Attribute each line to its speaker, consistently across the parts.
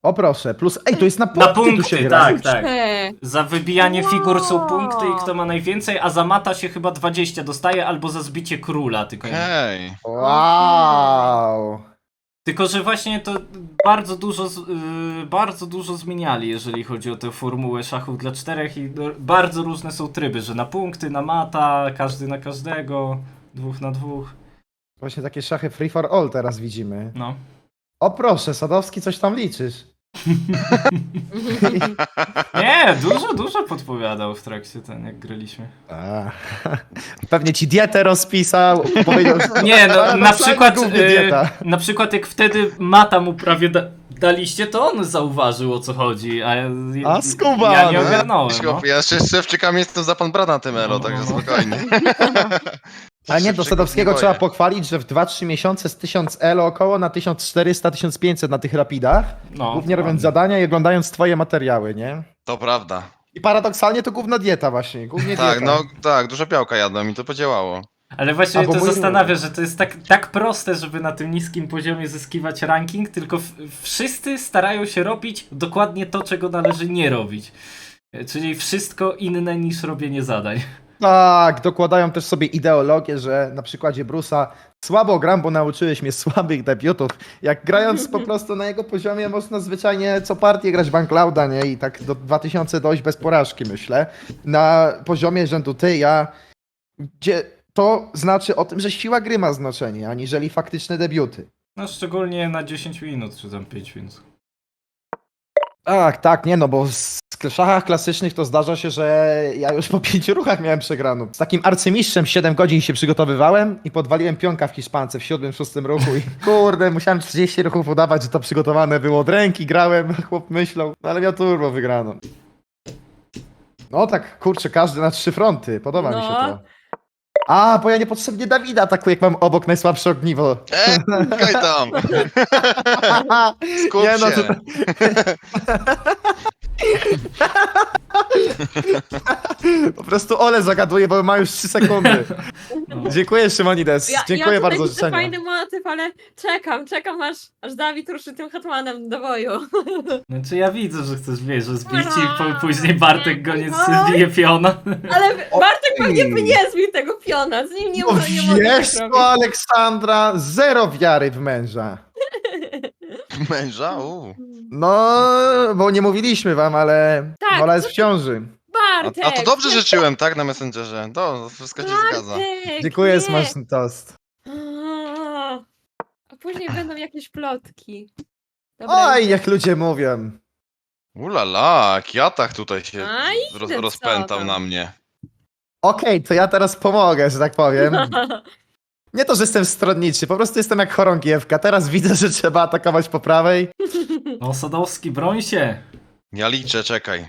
Speaker 1: O proszę, plus... Ej, to jest na
Speaker 2: Na
Speaker 1: punkty tu się
Speaker 2: punkty,
Speaker 1: gra.
Speaker 2: tak, tak.
Speaker 3: Cze.
Speaker 2: Za wybijanie figur są
Speaker 3: Wow.
Speaker 2: punkty i kto ma najwięcej, a za mata się chyba 20 dostaje, albo za zbicie króla,
Speaker 4: Hej.
Speaker 1: Wow.
Speaker 2: Tylko, że właśnie to bardzo dużo zmieniali, jeżeli chodzi o tę formułę szachów dla czterech i bardzo różne są tryby, że na punkty, na mata, każdy na każdego, 2 na 2.
Speaker 1: Właśnie takie szachy free for all teraz widzimy.
Speaker 2: No.
Speaker 1: O proszę, Sadowski, coś tam liczysz.
Speaker 2: Nie, dużo podpowiadał w trakcie ten, jak graliśmy.
Speaker 1: A, pewnie ci dietę rozpisał, powiedział, że
Speaker 2: Nie, no
Speaker 1: paradoksalnie
Speaker 2: na przykład,
Speaker 1: głównie dieta.
Speaker 2: na przykład jak wtedy mata mu prawie daliście, to on zauważył, o co chodzi,
Speaker 1: A, skubany.
Speaker 2: ja nie ogarnąłem. No.
Speaker 4: Ja jeszcze szewczykami jestem za pan brata na tym elo, także spokojnie.
Speaker 1: A nie, do
Speaker 4: Szewczyków
Speaker 1: Sadowskiego
Speaker 4: nie
Speaker 1: trzeba
Speaker 4: boję.
Speaker 1: pochwalić, że w 2-3 miesiące z 1000 elo około na 1400-1500 na tych rapidach,
Speaker 2: No,
Speaker 1: głównie robiąc
Speaker 2: ładnie.
Speaker 1: zadania i oglądając twoje materiały, nie?
Speaker 4: To prawda.
Speaker 1: I paradoksalnie to główna dieta właśnie, głównie
Speaker 4: Tak,
Speaker 1: dieta.
Speaker 4: no tak, dużo białka jadłem i to podziałało.
Speaker 2: Ale właśnie
Speaker 1: A,
Speaker 2: mnie
Speaker 1: bo
Speaker 2: to
Speaker 1: mój-
Speaker 2: zastanawia, że to jest tak proste, żeby na tym niskim poziomie zyskiwać ranking, tylko wszyscy starają się robić dokładnie to, czego należy nie robić. Czyli wszystko inne niż robienie zadań.
Speaker 1: Tak, dokładają też sobie ideologię, że na przykładzie Bruce'a słabo gram, bo nauczyłeś mnie słabych debiutów. Jak grając po prostu na jego poziomie można zwyczajnie co partię grać Banklouda, nie? I tak do 2000 dojść bez porażki, myślę. Na poziomie rzędu ty, ja, gdzie to znaczy o tym, że siła gry ma znaczenie, aniżeli faktyczne debiuty.
Speaker 2: No szczególnie na 10 minut, czy tam 5 minut.
Speaker 1: Tak, nie no, bo w szachach klasycznych to zdarza się, że ja już po 5 ruchach miałem przegraną. Z takim arcymistrzem 7 godzin się przygotowywałem i podwaliłem pionka w hiszpance w 7-6 ruchu i kurde, musiałem 30 ruchów udawać, że to przygotowane było od ręki, grałem, chłop myślał, no ale miał turbo wygraną. No tak, kurczę, każdy na 3 fronty, podoba mi się
Speaker 3: No.
Speaker 1: to. A, bo ja niepotrzebnie Dawida atakuję, jak mam obok najsłabsze ogniwo.
Speaker 4: Kaj tam! Skup
Speaker 1: Nie, no
Speaker 4: się!
Speaker 1: to- Po prostu Ole zagaduje, bo ma już 3 sekundy.
Speaker 2: No.
Speaker 1: Dziękuję, Szymonides. Dziękuję
Speaker 3: ja
Speaker 1: bardzo za
Speaker 3: widzę
Speaker 1: życzenia.
Speaker 3: fajny motyw, ale czekam aż Dawid ruszy tym hetmanem do boju.
Speaker 2: Znaczy ja widzę, że chcesz, wiesz, że zbić i później Bartek go nie zbije piona.
Speaker 3: Ale Bartek
Speaker 1: Oj.
Speaker 3: pewnie by nie zbił tego piona, z nim nie,
Speaker 1: No
Speaker 3: nie mogę
Speaker 1: wiesz
Speaker 3: tak
Speaker 1: co,
Speaker 3: robić.
Speaker 1: Aleksandra, zero wiary w męża.
Speaker 4: Męża?
Speaker 1: No, bo nie mówiliśmy wam, ale
Speaker 3: Tak,
Speaker 1: Ola jest w ciąży.
Speaker 3: Bartek!
Speaker 4: A to dobrze życzyłem, tak? Na Messengerze. To wszystko się zgadza.
Speaker 3: Bartek,
Speaker 1: Dziękuję,
Speaker 3: nie.
Speaker 1: smaczny toast.
Speaker 3: A później będą jakieś plotki. Dobra,
Speaker 1: Oj,
Speaker 3: idę.
Speaker 1: jak ludzie mówią.
Speaker 4: Ulala, Kiatach tutaj się
Speaker 3: A idę, co
Speaker 4: rozpętał
Speaker 3: tam?
Speaker 4: na mnie.
Speaker 1: Okej, to ja teraz pomogę, że tak powiem. Nie to, że jestem stronniczy, po prostu jestem jak chorągiewka. Teraz widzę, że trzeba atakować po prawej.
Speaker 2: No Sadowski, broń się.
Speaker 4: Ja liczę, czekaj.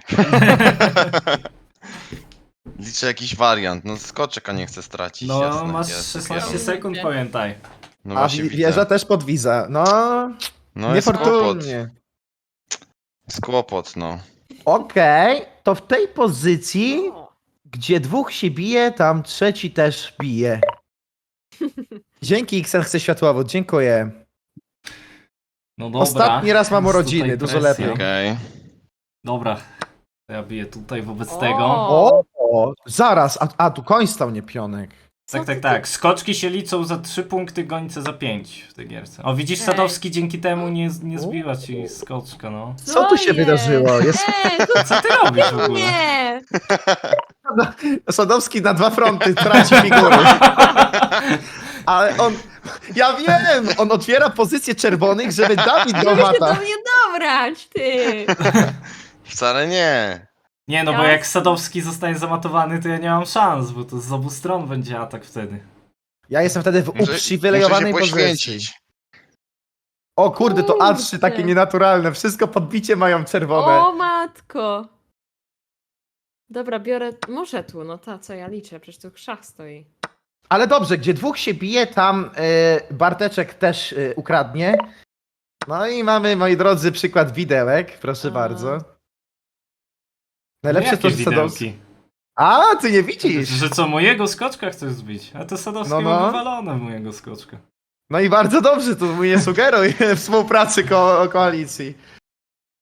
Speaker 4: Liczę jakiś wariant. No skoczeka nie chcę stracić.
Speaker 2: No
Speaker 4: jasne,
Speaker 2: masz
Speaker 4: jest,
Speaker 2: 16
Speaker 4: jest.
Speaker 2: sekund, pamiętaj.
Speaker 4: No
Speaker 1: A
Speaker 4: właśnie widzę.
Speaker 1: wieża też podwiza. No,
Speaker 4: No jest kłopot.
Speaker 1: niefortunnie.
Speaker 4: Jest kłopot, no.
Speaker 1: Okej, to w tej pozycji,
Speaker 3: O,
Speaker 1: gdzie dwóch się bije, tam trzeci też bije. Dzięki, Xen chce światłowód, dziękuję.
Speaker 2: No dobra.
Speaker 1: Ostatni raz mam
Speaker 2: Jest
Speaker 1: urodziny,
Speaker 2: tutaj
Speaker 1: dużo
Speaker 2: presja.
Speaker 1: lepiej.
Speaker 4: Okej.
Speaker 2: Dobra. To ja biję tutaj wobec
Speaker 3: O.
Speaker 2: tego.
Speaker 1: O, zaraz, a tu koń stał, nie pionek.
Speaker 2: Tak, tak, tak. Skoczki się liczą za 3 punkty, gońce za 5 w tej gierce. O, widzisz,
Speaker 3: Ej.
Speaker 2: Sadowski dzięki temu nie zbiła ci skoczka, no.
Speaker 1: Co tu się
Speaker 3: jest?
Speaker 1: wydarzyło? Jest
Speaker 3: to
Speaker 2: Co ty robisz w ogóle?
Speaker 3: nie!
Speaker 1: Sadowski na 2 fronty traci figury. Ale on, ja wiem, on otwiera pozycję czerwonych, żeby Dawid go
Speaker 3: Żeby się do
Speaker 1: mata.
Speaker 3: mnie dobrać, ty!
Speaker 4: Wcale nie.
Speaker 2: Nie, no bo jak Sadowski zostanie zamatowany, to ja nie mam szans, bo to z obu stron będzie atak wtedy.
Speaker 1: Ja jestem wtedy w
Speaker 4: Muszę
Speaker 1: uprzywilejowanej
Speaker 4: się
Speaker 1: pozycji.
Speaker 4: poświęcić.
Speaker 1: O kurde, to
Speaker 3: Kurde.
Speaker 1: A3 takie nienaturalne. Wszystko podbicie mają czerwone.
Speaker 3: O matko! Dobra, biorę... Muszę tu, no ta, co ja liczę, przecież tu szach stoi.
Speaker 1: Ale dobrze, gdzie dwóch się bije, tam Barteczek też ukradnie. No i mamy, moi drodzy, przykład widełek. Proszę
Speaker 3: A.
Speaker 1: bardzo. Najlepsze
Speaker 2: Jakie
Speaker 1: to, że Sadowski...
Speaker 2: widełki?
Speaker 1: A, ty nie widzisz!
Speaker 2: Że co, mojego skoczka chcesz zbić? A to Sadowski
Speaker 1: No, no.
Speaker 2: ma wywalone mojego skoczka.
Speaker 1: No i bardzo dobrze, tu nie sugeruj współpracy koalicji.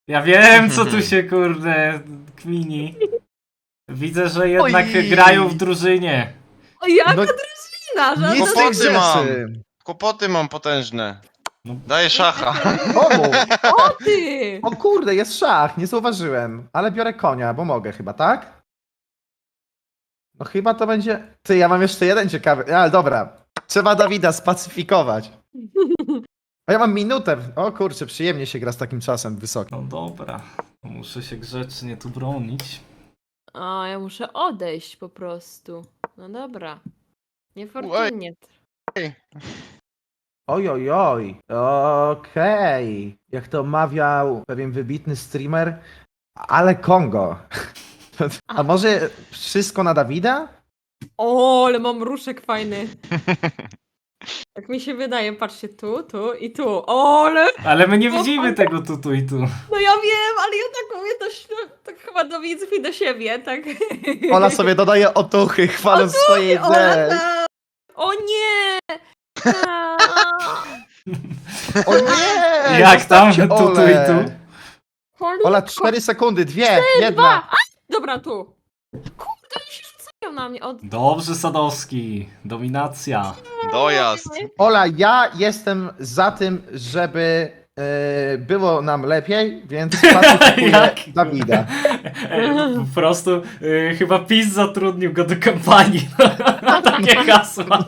Speaker 2: Ja wiem, co tu się kurde kmini. Widzę, że jednak
Speaker 1: Oj.
Speaker 2: grają w drużynie.
Speaker 3: O, jaka
Speaker 1: No,
Speaker 3: drużyna,
Speaker 1: Nic z
Speaker 3: żadna
Speaker 1: tych
Speaker 4: Kłopoty mam.
Speaker 1: rzeczy.
Speaker 4: Kłopoty mam potężne.
Speaker 2: No.
Speaker 4: Daję szacha.
Speaker 1: Komu?
Speaker 3: ty!
Speaker 1: O kurde, jest szach, nie zauważyłem. Ale biorę konia, bo mogę chyba, tak? No chyba to będzie... Ty, ja mam jeszcze jeden ciekawy... Ale dobra. Trzeba Dawida spacyfikować. A ja mam minutę. O kurczę, przyjemnie się gra z takim czasem wysokim.
Speaker 2: No dobra, muszę się grzecznie tu bronić.
Speaker 3: O, ja muszę odejść po prostu. No dobra. Niefortunnie.
Speaker 1: Oj, oj, oj. Okej. Jak to mawiał pewien wybitny streamer, ale Kongo. A może wszystko na Dawida?
Speaker 3: O, ale mam ruszek fajny. Tak mi się wydaje, patrzcie tu, tu i tu. O, ale...
Speaker 2: Ale my nie widzimy tego tu i tu.
Speaker 3: No ja wiem, ale ja tak mówię tak chyba do widzów i do siebie, tak?
Speaker 1: Ola sobie dodaje otuchy, chwaląc swojej
Speaker 3: Ola,
Speaker 1: ideę.
Speaker 3: tak. O nie! A.
Speaker 1: O nie!
Speaker 2: Jak tam?
Speaker 1: Zostawcie
Speaker 2: Tu i
Speaker 1: Olę.
Speaker 2: tu.
Speaker 3: Cholipko.
Speaker 1: Ola, 4 sekundy, 2,
Speaker 3: Dwa!
Speaker 1: 1.
Speaker 3: A! Dobra, tu. Kurde, oni się rzucają na mnie.
Speaker 2: Dobrze, Sadowski. Dominacja.
Speaker 4: Dojazd.
Speaker 1: Ola, ja jestem za tym, żeby było nam lepiej, więc pacyfikuję
Speaker 2: Jak?
Speaker 1: Dawida.
Speaker 2: Po prostu chyba PiS zatrudnił go do kampanii na takie hasła.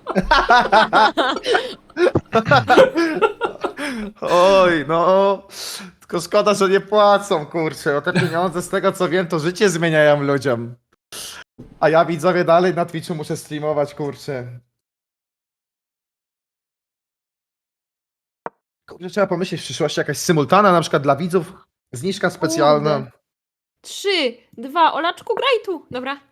Speaker 1: Oj, no. Tylko szkoda, że nie płacą, kurczę. O te pieniądze, z tego co wiem, to życie zmieniają ludziom. A ja widzowie dalej na Twitchu muszę streamować, kurczę. Kurczę, trzeba pomyśleć w przyszłości jakaś symultana, na przykład dla widzów. Zniżka specjalna.
Speaker 3: Kurde. 3, 2, Olaczku, graj tu. Dobra.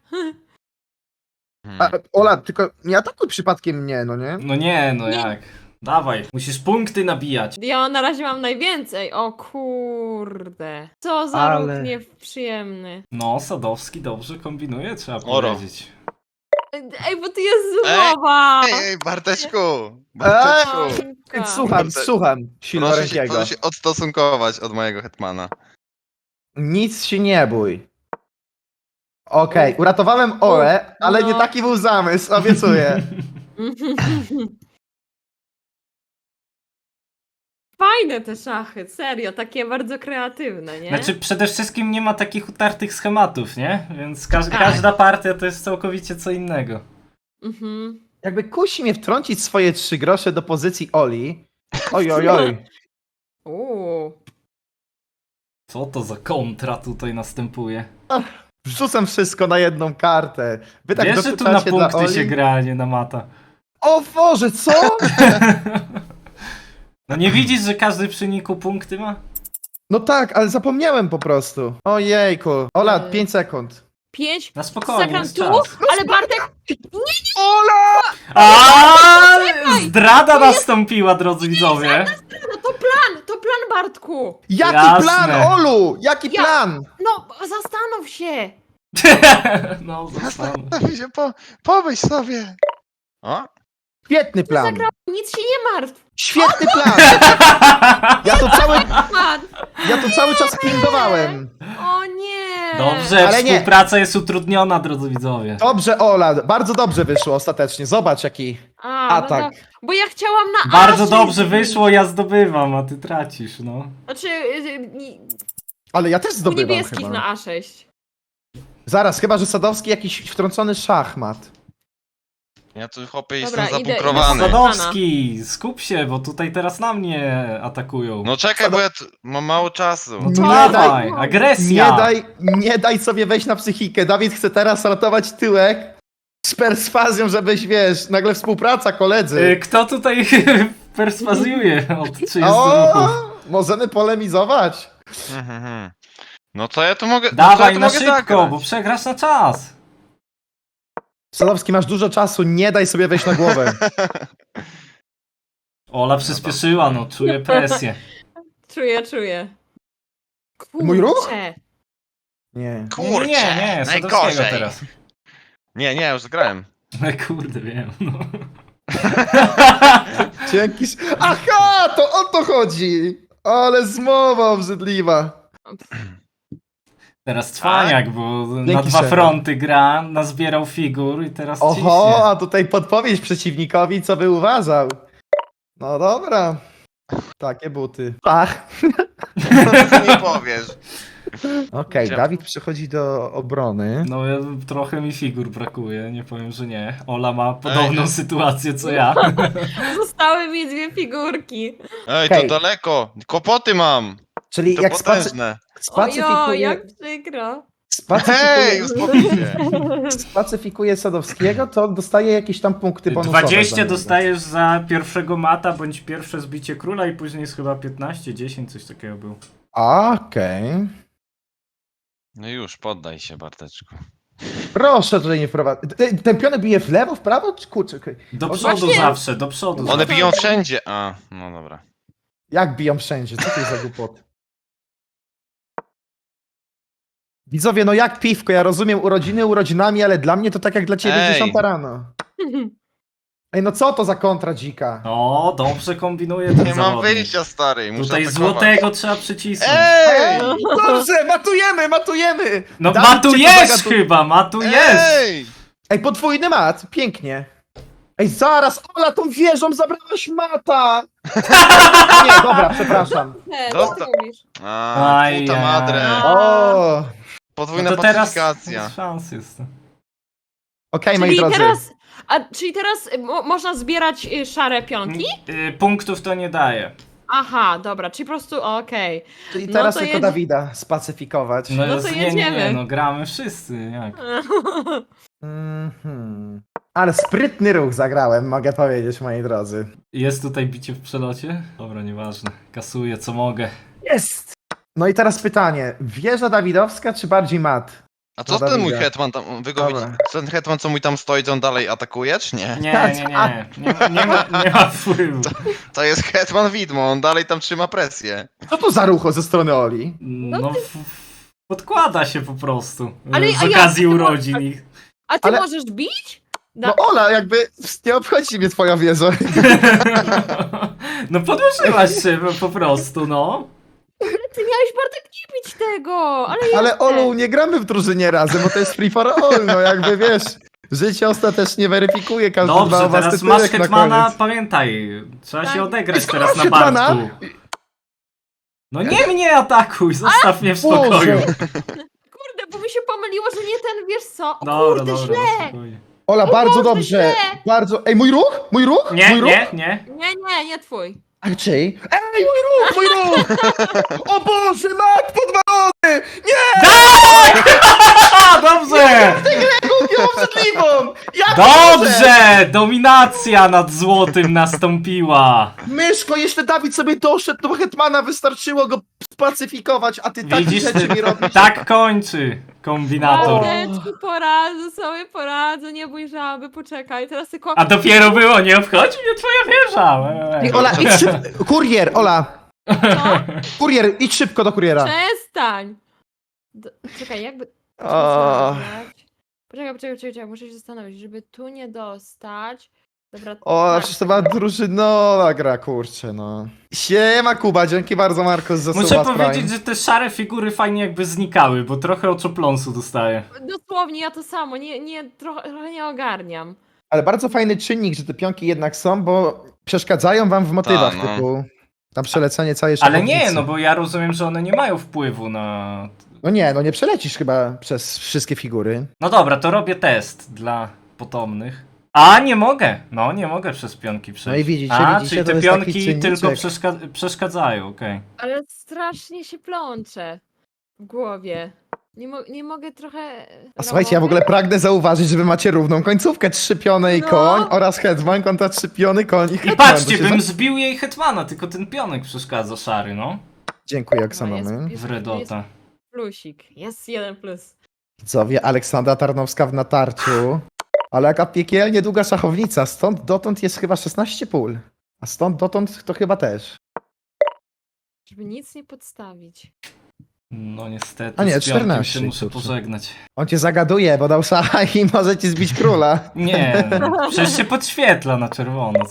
Speaker 1: A, Ola, tylko nie atakuj przypadkiem mnie, no nie?
Speaker 2: No nie, no
Speaker 3: Nie.
Speaker 2: jak? Dawaj, musisz punkty nabijać.
Speaker 3: Ja na razie mam najwięcej. O kurde. Co za
Speaker 1: Ale-
Speaker 3: ruch nieprzyjemny.
Speaker 2: No, Sadowski dobrze kombinuje, trzeba
Speaker 4: Oro.
Speaker 2: powiedzieć.
Speaker 3: Ej, bo tu jest zmowa.
Speaker 4: Ej, Barteczku! Barteczku!
Speaker 3: Ojka.
Speaker 1: Słucham, słucham, Silnorenkiego.
Speaker 4: Proszę się odstosunkować od mojego hetmana.
Speaker 1: Nic się nie bój. Okej, uratowałem Olę, ale nie
Speaker 3: no.
Speaker 1: taki był zamysł, obiecuję.
Speaker 3: Fajne te szachy, serio, takie bardzo kreatywne, nie?
Speaker 2: Znaczy, przede wszystkim nie ma takich utartych schematów, nie? Więc
Speaker 3: Tak.
Speaker 2: każda partia to jest całkowicie co innego.
Speaker 3: Mhm.
Speaker 1: Jakby kusi mnie wtrącić swoje 3 grosze do pozycji Oli. Oj, oj, oj.
Speaker 3: Uuu.
Speaker 2: Co to za kontra tutaj następuje?
Speaker 1: Wrzucam wszystko na jedną kartę. Wy tak
Speaker 2: Wiesz, że tu na
Speaker 1: dokuczacie dla
Speaker 2: punkty
Speaker 1: Oli?
Speaker 2: się gra, a nie na mata.
Speaker 1: O Boże, co?
Speaker 2: No nie widzisz, że każdy przy niku punkty ma?
Speaker 1: No tak, ale zapomniałem po prostu. Ojejku. Ola, 5 sekund.
Speaker 3: 5
Speaker 2: Na spokojnie,
Speaker 3: sekund
Speaker 2: jest
Speaker 3: tu,
Speaker 2: czas.
Speaker 3: ale Bartek,
Speaker 1: Ola!
Speaker 2: A
Speaker 3: Czekaj,
Speaker 2: zdrada nastąpiła, drodzy widzowie.
Speaker 3: no to plan Bartku.
Speaker 1: Jaki
Speaker 2: Jasne.
Speaker 1: plan, Olu? Jaki
Speaker 3: Ja-
Speaker 1: plan?
Speaker 3: No, zastanów się.
Speaker 2: No, zostanę.
Speaker 4: Zastanów się, pomyśl sobie. O?
Speaker 1: Świetny plan.
Speaker 3: Zagrał, nic się nie martw.
Speaker 1: Świetny plan.
Speaker 3: Pan.
Speaker 1: Ja to cały czas pingowałem.
Speaker 3: O nie.
Speaker 2: Dobrze,
Speaker 1: Ale nie.
Speaker 2: współpraca jest utrudniona, drodzy widzowie.
Speaker 1: Dobrze, Ola, bardzo dobrze wyszło ostatecznie. Zobacz jaki atak.
Speaker 3: No to, bo ja chciałam na
Speaker 2: Bardzo
Speaker 3: A6
Speaker 2: dobrze
Speaker 3: zrobić.
Speaker 2: wyszło, ja zdobywam, a ty tracisz, no.
Speaker 3: Znaczy,
Speaker 1: Ale ja też
Speaker 3: u
Speaker 1: zdobywam
Speaker 3: niebieskich
Speaker 1: chyba.
Speaker 3: na A6.
Speaker 1: Zaraz, chyba że Sadowski jakiś wtrącony szachmat.
Speaker 4: Ja tu chłopie
Speaker 3: Dobra,
Speaker 4: jestem
Speaker 3: idę-
Speaker 4: zabukrowany.
Speaker 3: idę-
Speaker 2: Sadowski, skup się, bo tutaj teraz na mnie atakują.
Speaker 4: No czekaj, bo ja tu mam mało czasu.
Speaker 2: No to
Speaker 1: nie
Speaker 2: dawaj,
Speaker 3: daj-
Speaker 2: agresja.
Speaker 1: Nie daj sobie wejść na psychikę. Dawid chce teraz ratować tyłek z perswazją, żebyś, wiesz, nagle współpraca, koledzy.
Speaker 2: Kto tutaj perswazjuje od 30 ruchów?
Speaker 1: O, możemy polemizować.
Speaker 4: No to ja tu mogę.
Speaker 2: Dawaj
Speaker 4: to
Speaker 2: na
Speaker 4: ja tu mogę
Speaker 2: szybko,
Speaker 4: zagrać.
Speaker 2: bo przegrasz na czas.
Speaker 1: Sadowski, masz dużo czasu, nie daj sobie wejść na głowę.
Speaker 2: Ola przyspieszyła, no czuję presję.
Speaker 3: Czuję. Kurczę.
Speaker 1: Mój ruch? Nie.
Speaker 4: Kurczę,
Speaker 2: nie, Sadowskiego
Speaker 4: najgorzej.
Speaker 2: teraz.
Speaker 4: Nie, już zagrałem.
Speaker 2: Kurde, wiem, no.
Speaker 1: Dzięki. Aha, to o to chodzi. Ale zmowa obrzydliwa.
Speaker 2: Teraz cwaniak, bo na
Speaker 1: Dzięki,
Speaker 2: 2
Speaker 1: szefie.
Speaker 2: fronty gra, nazbierał figur i teraz
Speaker 1: Oho,
Speaker 2: ciśnie.
Speaker 1: a tutaj podpowiedź przeciwnikowi, co by uważał. No dobra. Takie buty. Pach.
Speaker 4: Nie powiesz.
Speaker 1: Okej,
Speaker 4: Gdzie?
Speaker 1: Dawid przechodzi do obrony.
Speaker 2: No trochę mi figur brakuje, nie powiem, że nie. Ola ma podobną sytuację co ja.
Speaker 3: Zostały mi 2 figurki.
Speaker 4: Ej,
Speaker 1: Okej.
Speaker 4: to daleko. Kłopoty mam.
Speaker 1: Czyli
Speaker 4: To
Speaker 1: jak
Speaker 4: potężne.
Speaker 3: Ojo,
Speaker 1: spacyfikuje,
Speaker 3: jak przykro.
Speaker 4: Hej,
Speaker 1: spacyfikuje,
Speaker 4: uspokój się.
Speaker 1: spacyfikuje Sadowskiego, to dostaje jakieś tam punkty bonusowe.
Speaker 2: 20
Speaker 1: za niego.
Speaker 2: dostajesz za pierwszego mata, bądź pierwsze zbicie króla i później jest chyba 15, 10, coś takiego było.
Speaker 1: Okej.
Speaker 4: No już, poddaj się, Barteczku.
Speaker 1: Proszę tutaj nie wprowadzić. Ten pionek bije w lewo, w prawo? Czy kurczę, okej.
Speaker 2: Do
Speaker 1: O,
Speaker 2: przodu
Speaker 3: właśnie-
Speaker 2: zawsze, do przodu
Speaker 4: One
Speaker 2: zawsze.
Speaker 4: biją wszędzie. A, no dobra.
Speaker 1: Jak biją wszędzie? Co to jest za głupot? Widzowie, no jak piwko, ja rozumiem urodziny urodzinami, ale dla mnie to tak jak dla ciebie
Speaker 4: Ej.
Speaker 1: 10 rano. Ej, no co to za kontra dzika?
Speaker 2: O, dobrze kombinuje ten
Speaker 4: Nie mam
Speaker 2: zawodnik.
Speaker 4: wyjścia, stary. Muszę
Speaker 2: Tutaj
Speaker 4: atakować.
Speaker 2: złotego trzeba przycisnąć.
Speaker 4: Ej!
Speaker 1: Dobrze, matujemy!
Speaker 2: No
Speaker 1: Dawid cię
Speaker 2: matujesz
Speaker 1: tu
Speaker 2: chyba, matujesz!
Speaker 4: Ej!
Speaker 1: Ej, podwójny mat, pięknie. Ej, zaraz, Ola, tą wieżą zabrałaś mata! Nie, dobra, przepraszam.
Speaker 3: Nie, co
Speaker 4: Dosta-
Speaker 3: ty mówisz?
Speaker 4: A,
Speaker 2: Aj,
Speaker 4: puta
Speaker 2: aj.
Speaker 4: madre.
Speaker 1: O,
Speaker 4: Podwójna
Speaker 2: No to teraz
Speaker 4: pacyfikacja.
Speaker 2: szans jest.
Speaker 1: okej, moi
Speaker 3: Czyli
Speaker 1: drodzy.
Speaker 3: teraz, czyli teraz można zbierać szare pionki?
Speaker 2: Punktów to nie daje.
Speaker 3: Aha, dobra, czyli po prostu okej.
Speaker 1: Czyli
Speaker 3: no
Speaker 1: teraz
Speaker 3: to
Speaker 1: tylko
Speaker 3: jedzie-
Speaker 1: Dawida spacyfikować.
Speaker 2: No,
Speaker 3: No to
Speaker 2: nie,
Speaker 3: jedziemy.
Speaker 2: no gramy wszyscy, jak?
Speaker 1: Mhm. Ale sprytny ruch zagrałem, mogę powiedzieć, moi drodzy.
Speaker 2: Jest tutaj bicie w przelocie? Dobra, nieważne. Kasuję co mogę.
Speaker 1: Jest! No i teraz pytanie, wieża dawidowska czy bardziej mat?
Speaker 4: A co
Speaker 1: Dobra,
Speaker 4: ten mój
Speaker 1: widzę.
Speaker 4: hetman tam, wy go
Speaker 1: Dobra.
Speaker 4: widzicie? Ten hetman, co mój tam stoi, to on dalej atakuje, czy nie?
Speaker 2: Nie ma wpływu.
Speaker 4: To jest hetman widmo, on dalej tam trzyma presję.
Speaker 1: Co to za rucho ze strony Oli?
Speaker 2: No, podkłada się po prostu.
Speaker 3: Ale-
Speaker 2: Z
Speaker 3: a
Speaker 2: okazji
Speaker 3: jak-
Speaker 2: urodzin.
Speaker 3: A ty
Speaker 1: Ale-
Speaker 3: możesz bić?
Speaker 1: No Ola, jakby nie obchodzi mnie twoja wieża.
Speaker 2: No podłożyłaś się po prostu, no.
Speaker 3: Ty miałeś Bartek nie bić tego, ale
Speaker 1: Ale
Speaker 3: jeszcze.
Speaker 1: Olu, nie gramy w drużynie razem, bo to jest free for all, no jakby wiesz. Życie ostatecznie weryfikuje każdy
Speaker 2: Dobrze,
Speaker 1: dwa was
Speaker 2: teraz masz
Speaker 1: tytułek na
Speaker 2: Hetmana,
Speaker 1: koniec.
Speaker 2: pamiętaj. Trzeba
Speaker 3: Tak.
Speaker 2: się odegrać
Speaker 1: Skoro
Speaker 2: teraz
Speaker 1: masz
Speaker 2: na
Speaker 1: Hetmana?
Speaker 2: Bartku. No nie mnie atakuj, zostaw mnie w
Speaker 1: Boże.
Speaker 2: spokoju.
Speaker 3: Kurde, bo mi się pomyliło, że nie ten, wiesz co? O
Speaker 2: Dobra,
Speaker 3: kurde,
Speaker 2: dobra,
Speaker 3: źle.
Speaker 2: spokojnie.
Speaker 1: Ola, bardzo
Speaker 3: Boże,
Speaker 1: dobrze.
Speaker 3: źle.
Speaker 1: Bardzo. Ej, mój ruch? Mój ruch?
Speaker 2: Nie,
Speaker 1: mój ruch?
Speaker 2: nie.
Speaker 3: Nie twój.
Speaker 1: A czyj? Ej, mój ruch! O Boże, mat podwalony!
Speaker 2: A, dobrze!
Speaker 1: Kupię obrzydliwą! Ja
Speaker 2: Dobrze! Dominacja nad złotym nastąpiła.
Speaker 1: Myszko, jeszcze Dawid sobie doszedł do Hetmana, wystarczyło go spacyfikować, a ty takie
Speaker 2: Widzisz,
Speaker 1: rzeczy mi robisz.
Speaker 2: tak kończy kombinator.
Speaker 3: Barteczku, poradzę, nie bój żaby, poczekaj, teraz tylko...
Speaker 2: A dopiero było, nie obchodzi mnie twoja wieża.
Speaker 1: Ej, Ola, idź szybko. Kurier, Ola.
Speaker 3: Co?
Speaker 1: Kurier, idź szybko do kuriera.
Speaker 3: Przestań! Czekaj, jakby...
Speaker 1: O,
Speaker 3: Poczekaj, muszę się zastanowić, żeby tu nie dostać... Dobra,
Speaker 1: o,
Speaker 3: tak.
Speaker 1: przecież to była drużynowa gra, kurczę, no. Siema Kuba, dzięki bardzo Markus za
Speaker 2: Muszę
Speaker 1: suba z
Speaker 2: powiedzieć,
Speaker 1: Prime.
Speaker 2: że te szare figury fajnie jakby znikały, bo trochę oczopląsu dostaję.
Speaker 3: Dosłownie, ja to samo, trochę nie ogarniam.
Speaker 1: Ale bardzo fajny czynnik, że te pionki jednak są, bo przeszkadzają wam w motywach,
Speaker 4: Ta, no.
Speaker 1: typu na przelecenie całej
Speaker 2: Ale
Speaker 1: szachownicy.
Speaker 2: nie, no bo ja rozumiem, że one nie mają wpływu na...
Speaker 1: No nie, no nie przelecisz chyba przez wszystkie figury.
Speaker 2: No dobra, to robię test dla potomnych. A, nie mogę! No, nie mogę przez pionki przejść.
Speaker 1: No i widzicie,
Speaker 2: A,
Speaker 1: widzicie,
Speaker 2: czyli
Speaker 1: to
Speaker 2: te
Speaker 1: jest taki
Speaker 2: pionki
Speaker 1: czynniczek.
Speaker 2: tylko przeszkadzają, okej.
Speaker 3: Ale strasznie się plączę w głowie. Nie mogę trochę...
Speaker 1: A słuchajcie, ja w ogóle pragnę zauważyć, że wy macie równą końcówkę. 3 piony i
Speaker 3: No.
Speaker 1: koń oraz hetman kontra 3 piony, koń i
Speaker 2: I
Speaker 1: hetman.
Speaker 2: patrzcie,
Speaker 1: To się
Speaker 2: bym
Speaker 1: za-
Speaker 2: zbił jej hetmana, tylko ten pionek przeszkadza szary, no.
Speaker 1: Dziękuję,
Speaker 3: No,
Speaker 1: Oksanony.
Speaker 2: Wredota.
Speaker 3: Plusik, jest 1 plus.
Speaker 1: Widzowie, Aleksandra Tarnowska w natarciu. Ale jaka piekielnie długa szachownica. Stąd dotąd jest chyba 16 pól. A stąd dotąd to chyba też.
Speaker 3: Żeby nic nie podstawić.
Speaker 2: No niestety,
Speaker 1: A nie,
Speaker 2: z pionkiem
Speaker 1: 14,
Speaker 2: się muszę
Speaker 1: kurczę.
Speaker 2: pożegnać.
Speaker 1: On cię zagaduje, bo dał szacha i może ci zbić króla.
Speaker 2: Nie, przecież się podświetla na czerwono, co ty.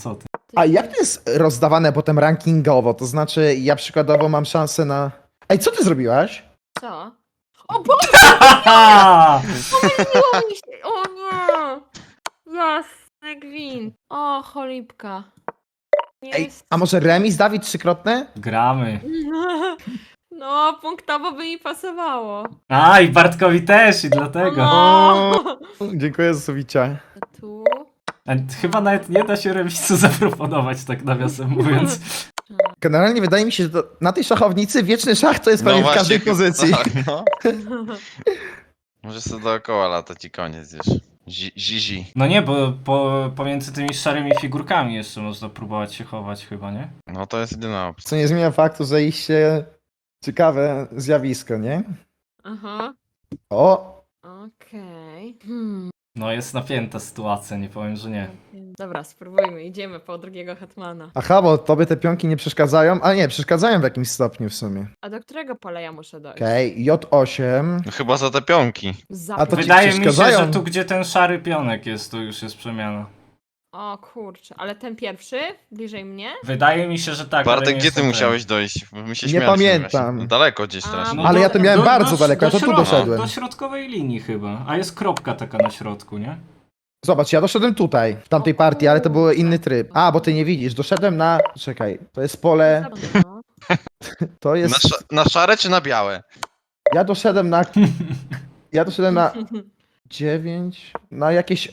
Speaker 1: A jak to jest rozdawane potem rankingowo? To znaczy, ja przykładowo mam szansę na... Ej, co ty zrobiłaś?
Speaker 3: Co? O Boże,
Speaker 2: Haha!
Speaker 3: pomyliło mi się! O nie! Jasny gwint. O, cholipka. Nie
Speaker 1: Ej,
Speaker 3: jest...
Speaker 1: a może remis, Dawid, trzykrotne?
Speaker 2: Gramy.
Speaker 3: No, punktowo by mi pasowało.
Speaker 2: A, i Bartkowi też, i dlatego.
Speaker 3: No.
Speaker 1: Dziękuję za suwicia.
Speaker 3: Tu.
Speaker 2: A chyba nawet nie da się remisu zaproponować, tak nawiasem mówiąc.
Speaker 1: Generalnie wydaje mi się, że na tej szachownicy wieczny szach to jest prawie w każdej
Speaker 4: właśnie,
Speaker 1: pozycji.
Speaker 4: Tak, no. Możesz sobie dookoła latać i koniec już. Zizi.
Speaker 2: No nie, bo pomiędzy tymi szarymi figurkami jeszcze można próbować się chować chyba, nie?
Speaker 4: No to jest jedyna opcja.
Speaker 1: Co nie zmienia faktu, że iście ciekawe zjawisko, nie?
Speaker 3: Aha.
Speaker 1: O!
Speaker 3: Okej.
Speaker 2: No jest napięta sytuacja, nie powiem, że nie.
Speaker 3: Dobra, spróbujmy. Idziemy po drugiego hetmana.
Speaker 1: Aha, bo tobie te pionki nie przeszkadzają? A nie, przeszkadzają w jakimś stopniu w sumie.
Speaker 3: A do którego pola ja muszę dojść?
Speaker 1: Okej, J8.
Speaker 4: No chyba za te pionki.
Speaker 1: A to ci
Speaker 2: Wydaje mi się,
Speaker 1: przeszkadzają?
Speaker 2: że tu gdzie ten szary pionek jest, to już jest przemiana.
Speaker 3: O kurczę, ale ten pierwszy? Bliżej mnie?
Speaker 2: Wydaje mi się, że tak. ale
Speaker 4: Bartek,
Speaker 2: nie
Speaker 4: gdzie ty
Speaker 2: jestem
Speaker 4: musiałeś dojść? Bo my się
Speaker 1: Nie
Speaker 4: śmialiśmy
Speaker 1: pamiętam.
Speaker 4: właśnie. No daleko gdzieś
Speaker 3: A,
Speaker 4: strasznie.
Speaker 3: no
Speaker 1: Ale ja to miałem bardzo daleko, ja to tu
Speaker 2: środka,
Speaker 1: doszedłem.
Speaker 2: Do środkowej linii chyba, a jest kropka taka na środku, nie?
Speaker 1: Zobacz, ja doszedłem tutaj, w tamtej partii, ale to był inny tryb. A, bo ty nie widzisz, doszedłem na... Czekaj, to jest pole...
Speaker 3: No.
Speaker 1: To
Speaker 4: Na,
Speaker 1: jest...
Speaker 4: na szare czy na białe?
Speaker 1: Ja doszedłem na... Ja doszedłem na 9, na jakieś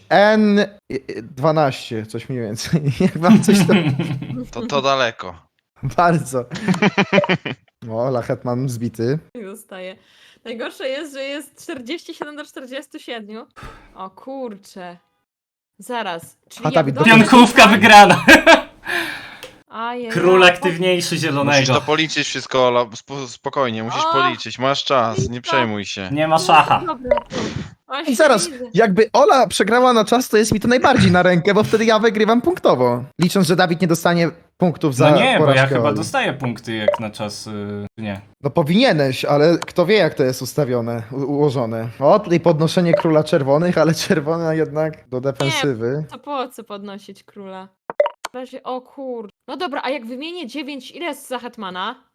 Speaker 1: N12, coś mniej więcej. Jak mam coś tam...
Speaker 4: To daleko.
Speaker 1: Bardzo. O, Lachetman zbity.
Speaker 3: Zostaje. Najgorsze jest, że jest 47 do 47. O kurczę. Zaraz. Czyli
Speaker 1: A,
Speaker 3: jak
Speaker 1: Dawid,
Speaker 3: dobrze
Speaker 2: Pionkówka
Speaker 3: czytam-
Speaker 2: wygrana!
Speaker 3: Ajej,
Speaker 2: Król
Speaker 3: o,
Speaker 2: aktywniejszy
Speaker 4: Musisz
Speaker 2: zielonego.
Speaker 4: to policzyć wszystko, Ola. Spokojnie, musisz
Speaker 3: O!
Speaker 4: policzyć. Masz czas, nie
Speaker 3: Listo.
Speaker 4: przejmuj się.
Speaker 2: Nie ma szacha.
Speaker 3: Dobra, tu. Właśnie
Speaker 1: I zaraz,
Speaker 3: widzę.
Speaker 1: jakby Ola przegrała na czas, to jest mi to najbardziej na rękę, bo wtedy ja wygrywam punktowo. Licząc, że Dawid nie dostanie punktów za
Speaker 2: No nie, bo ja
Speaker 1: porażkę
Speaker 2: chyba
Speaker 1: Oli.
Speaker 2: dostaję punkty jak na czas. Nie.
Speaker 1: No powinieneś, ale kto wie, jak to jest ustawione, ułożone. O, tutaj podnoszenie króla czerwonych, ale czerwona jednak do defensywy.
Speaker 3: To po co podnosić króla? W razie, o kur... No dobra, a jak wymienię 9, ile jest za hetmana?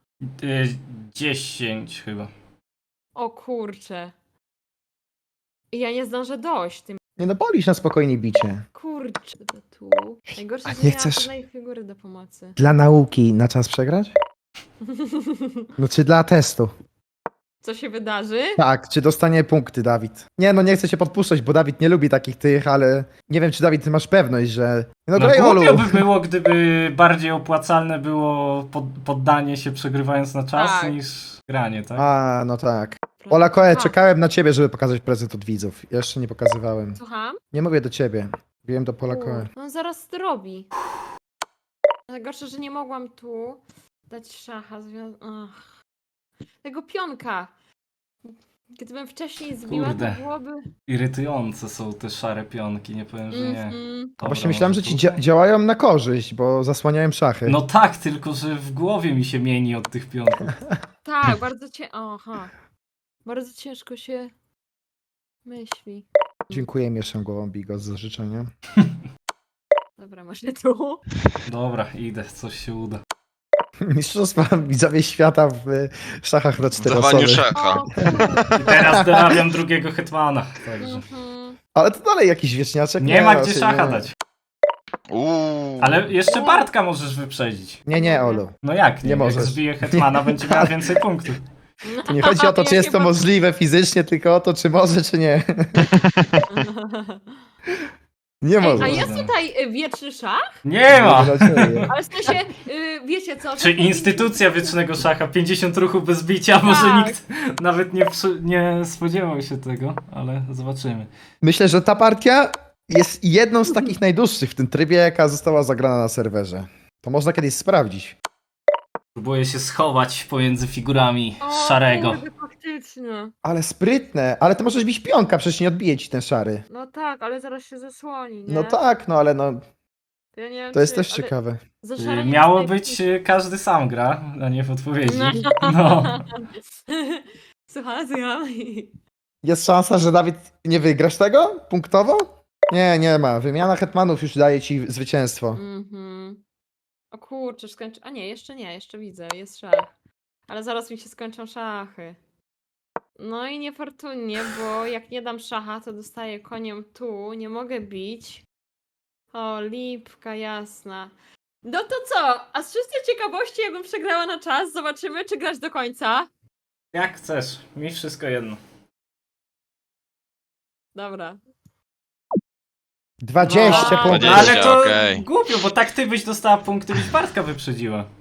Speaker 2: 10 chyba.
Speaker 3: O kurcze. I ja nie zdążę dojść tym.
Speaker 1: Nie no, policz na spokojnie bicie.
Speaker 3: Kurczę, to tu. Najgorsze,
Speaker 1: A
Speaker 3: że
Speaker 1: nie
Speaker 3: nie mam
Speaker 1: chcesz-
Speaker 3: żadnej figury do pomocy.
Speaker 1: Dla nauki na czas przegrać? No czy dla testu?
Speaker 3: Co się wydarzy?
Speaker 1: Tak, czy dostanie punkty Dawid? Nie no, nie chcę się podpuszczać, bo Dawid nie lubi takich tych, ale nie wiem, czy Dawid, ty masz pewność, że... No,
Speaker 2: No
Speaker 1: graj Olu!
Speaker 2: głupio by było, gdyby bardziej opłacalne było poddanie się przegrywając na czas
Speaker 3: Tak.
Speaker 2: niż granie, tak?
Speaker 1: A, no tak. Ola Koe,
Speaker 3: A,
Speaker 1: czekałem na ciebie, żeby pokazać prezent od widzów. Jeszcze nie pokazywałem.
Speaker 3: Słucham?
Speaker 1: Nie mówię do ciebie. Wiem do Pola Koe.
Speaker 3: No zaraz zrobi. Najgorsze, że nie mogłam tu dać szacha. Ach. Tego pionka. Gdybym wcześniej zbiła,
Speaker 2: Kurde.
Speaker 3: to byłoby...
Speaker 2: Irytujące są te szare pionki, nie powiem, że nie.
Speaker 3: Mhm.
Speaker 2: Dobra,
Speaker 1: Właśnie myślałem, że
Speaker 2: może
Speaker 1: ci
Speaker 2: tutaj?
Speaker 1: działają na korzyść, bo zasłaniają szachy.
Speaker 2: No tak, tylko że w głowie mi się mieni od tych pionków.
Speaker 3: Tak, bardzo Aha. Bardzo ciężko się myśli.
Speaker 1: Dziękuję, mieszam głową Bigos za życzenie.
Speaker 3: Dobra, może tu.
Speaker 2: Dobra, idę, coś się uda.
Speaker 1: Mistrzostwa widzowie świata w szachach na
Speaker 4: W
Speaker 1: 4
Speaker 4: dawaniu
Speaker 1: osoby.
Speaker 4: szacha.
Speaker 3: O, kurde.
Speaker 2: I teraz dorabiam drugiego hetmana, także.
Speaker 3: Mhm.
Speaker 1: Ale to dalej jakiś wieśniaczek.
Speaker 2: Nie ma
Speaker 1: no,
Speaker 2: gdzie
Speaker 1: się
Speaker 2: szacha
Speaker 1: nie-
Speaker 2: dać.
Speaker 4: Uuu.
Speaker 2: Ale jeszcze Bartka możesz wyprzedzić.
Speaker 1: Nie, Olu.
Speaker 2: No jak?
Speaker 1: Nie
Speaker 2: Jak
Speaker 1: możesz.
Speaker 2: zbije hetmana, będzie miał więcej punktów.
Speaker 1: To nie chodzi o to, czy jest to możliwe fizycznie, tylko o to, czy może, czy nie. Nie
Speaker 3: Ej,
Speaker 1: może.
Speaker 3: a jest tutaj wieczny szach?
Speaker 2: Nie ma!
Speaker 3: Ale w sensie, wiecie co?
Speaker 2: Czy
Speaker 3: że-
Speaker 2: instytucja wiecznego szacha, 50 ruchów bez bicia, może
Speaker 3: Tak.
Speaker 2: nikt nawet nie spodziewał się tego, ale zobaczymy.
Speaker 1: Myślę, że ta partia jest jedną z takich najdłuższych w tym trybie, jaka została zagrana na serwerze. To można kiedyś sprawdzić.
Speaker 2: Próbuję się schować pomiędzy figurami
Speaker 3: O,
Speaker 2: szarego.
Speaker 3: kurde, faktycznie.
Speaker 1: Ale sprytne, ale to możesz bić pionka, przecież nie odbije ci ten szary.
Speaker 3: No tak, ale zaraz się zasłoni, nie?
Speaker 1: No tak, no ale no,
Speaker 3: To, ja nie wiem,
Speaker 1: to jest
Speaker 3: czy-
Speaker 1: też
Speaker 3: ale
Speaker 1: ciekawe.
Speaker 3: za szare nie
Speaker 2: Miało
Speaker 3: dostaję
Speaker 2: być
Speaker 3: punktu.
Speaker 2: każdy sam gra, a nie w odpowiedzi.
Speaker 3: No.
Speaker 2: No.
Speaker 3: Słucham.
Speaker 1: Jest szansa, że Dawid nie wygrasz tego punktowo? Nie, nie ma. Wymiana hetmanów już daje ci zwycięstwo.
Speaker 3: Mhm. O kurczę, skończy... A nie, jeszcze widzę, jest szach. Ale zaraz mi się skończą szachy. No i niefortunnie, bo jak nie dam szacha, to dostaję koniem tu, nie mogę bić. O, lipka jasna. No to co? A z czystej ciekawości, jakbym przegrała na czas, zobaczymy, czy grać do końca.
Speaker 2: Jak chcesz, mi wszystko jedno.
Speaker 3: Dobra.
Speaker 1: 20
Speaker 3: No,
Speaker 1: punktów.
Speaker 4: 20.
Speaker 2: Ale to
Speaker 4: okej.
Speaker 2: głupio, bo tak ty byś dostała punkty, byś Bartka wyprzedziła.